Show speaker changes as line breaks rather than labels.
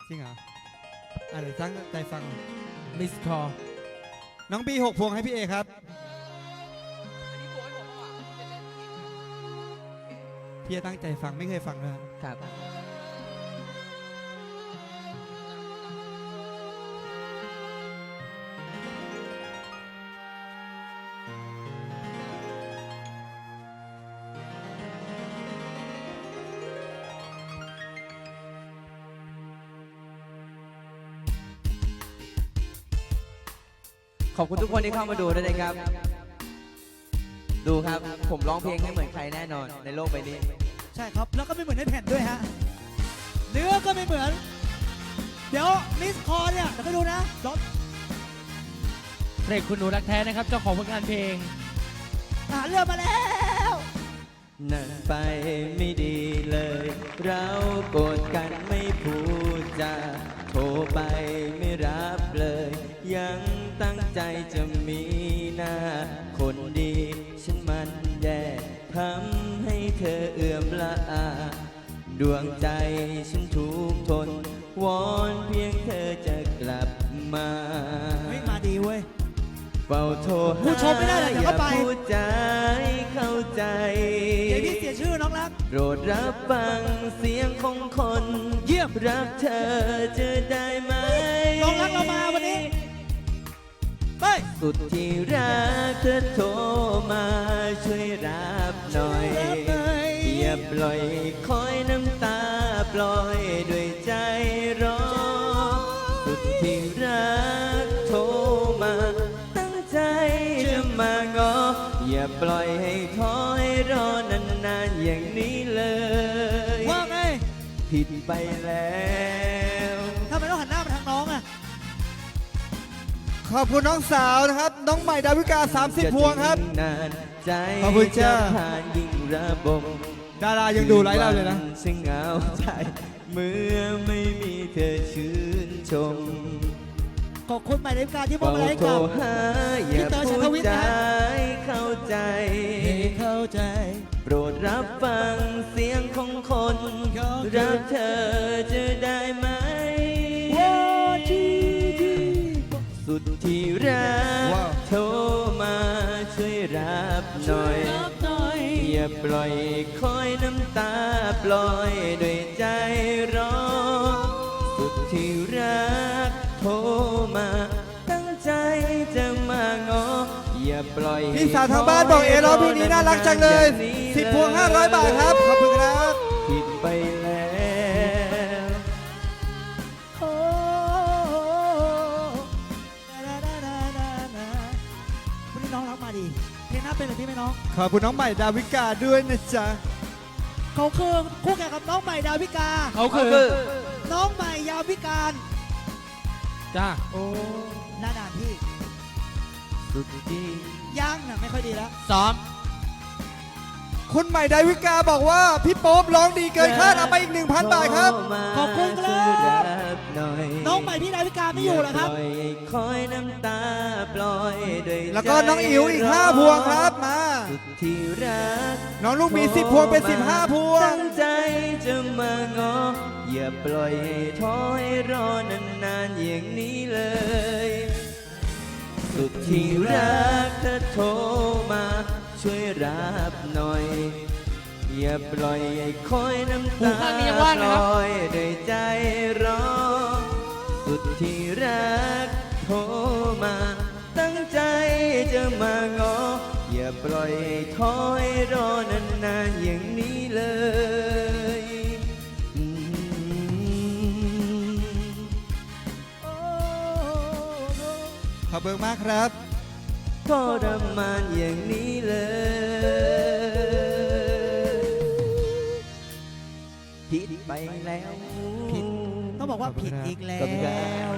จริงเหรอเดี๋ยวตั้งใจฟัง
มิสคอ
น้องบี6 พวงให้พี่เอครับพี่จะตั้งใจฟังไม่เคยฟังเลย
ครับ ขอบคุณทุกคนที่เข้ามาดูด้วยนะครับ ดูครับผมร้องเพลงไม่เหมือนใครแน่นอนในโลกใบนี้
ใช่ครับแล้วก็ไม่เหมือนในแผ่นด้วยฮะเนื้อก็ไม่เหมือนเดี๋ยวมิสคอเนี่ยเดี๋ยวไปดูนะรถ
เพลงคุณหนูรักแท้นะครับเจ้าของผลงานเพลง
ทหารเรือมาแล้ว
นั่นไปไม่ดีเลย เราโกรธกันไม่พูดจาโทรไปไม่รับเลย ยังตั้งใจจะมีหน้า คนดีฉันมันแย่ทำให้เธอเอื่อมละอา ดวงใจฉันทุกทน วอนเพียงเธอจะกลับมา
เฮ้ยมาดีเว้ย
เฝ้าโทรหา
ผู้ชมไม่ได้เลยเดี๋ยวเข้าไป
อย่พูดใจเข้าใจ
เดี๋ยวพี่เสียชื่อน้องรัก
โปรดรับฟังเสียงของคน
เยี่ยม
รักเธอจะได้ไหม
น้องรักเรามาวันนี้ไป
สุดที่รักเธอโทรมาช่วยรับหน่อย อย่าปล่อยคอยน้ำตาปล่อยด้วยใจร้อนสุดที่รักโทรมาตั้งใจจะมางอ อย่าปล่อยให้คอยรอนานๆอย่างนี้เลย
ว่าไง
ผิดไปแล้ว
ทำไมต้องหันหน้ามาทางน้องอ่ะ
ขอบคุณน้องสาวนะครับน้องใหม่ดาวิกา30 พวงครับ
นานใจ
ขอบคุณจ้า
ผ่านยิ่งระบม
ดารายังดูไลฟ์เราเลยนะ
ซึ่งเหงาใจเมื่อไม่มีเธอชื่นชม
ขอบคุณหมายเลขการที่มอบมาให้
โทร
กับ
หาอย่า
พี่เต๋อชั
พู
ยท
ด
วิทย์
ใจ
นะฮะ
เข้าใจ
ให้เข้าใจ
โปรดรับฟังเสียงของคน รักเธอจะได้ไหม สุดที่รัก
ว้าว
โทรมาช่วยรับหน่อย อย่าปล่อยคอยน้ำตาปล่อยด้วยใจร้อนสุดที่รักโทรมาตั้งใจจะมางอ อย่าปล่อย
พี่สาวทางบ้านบอกเอร้องเพลงนี้น่ารักจังเลย10 พวง500 บาทครับขอบคุณครับ
ผิดไปแล้ว
โอ้วันนี้น้องรักมาดีเพลงหน้าเป็นอะไรพี่ไหมน้อง
ขอบคุณน้องใหม่ดาวิกาด้วยนะจ๊ะ
เขาคือคู่แข่งกับน้องใหม่ดาวิกา
เขาคือ
น้องใหม่ยาวิการ
จ้า
โอ้หน้าด่านพี่
สุดที่
ย่างน่ะไม่ค่อยดีแล้ว
ซ้อม
คุณใหม่ดาวิกาบอกว่าพี่โป๊ปร้องดีเกินคาดเอาไปอีก 1,000 บาทครับ
ขอบคุณครับ
ช่วยรับหน่อย
น้องใหม่พี่ดาวิกาไม่อยู่เหรอครับ
ปล่อยคอยน้ำตาปล่อยด้วย
แล้วก็น้องอิ๋วอีก5 พวงครับมา
สุดที่รัก
น้องลูกหมี10 พวงเป็น15 พวง
ตั้งใจจะมางอ อย่าปล่อยให้ท้อให้รอนานๆอย่างนี้เลย สุดที่รักเธอโทรมาช่วยรับหน่อย อย่าปล่อยให้คอยน้ำ
หู
ตา
ข้างนี้ยัง
ป
ว่างนะครับ
ล่อยด้วยใจร้อนสุดที่รักโทรมา ตั้งใจจะมางอ อย่าปล่อยให้ท้อให้รอนานๆอย่างนี้เลยอืม
ขอบคุณมากครับ
ทรมานอย่างนี้เลยผิดไปแล้ว
ผิด ต้องบอกว่าผิดอีกแล้
ขอบคุณครั
ว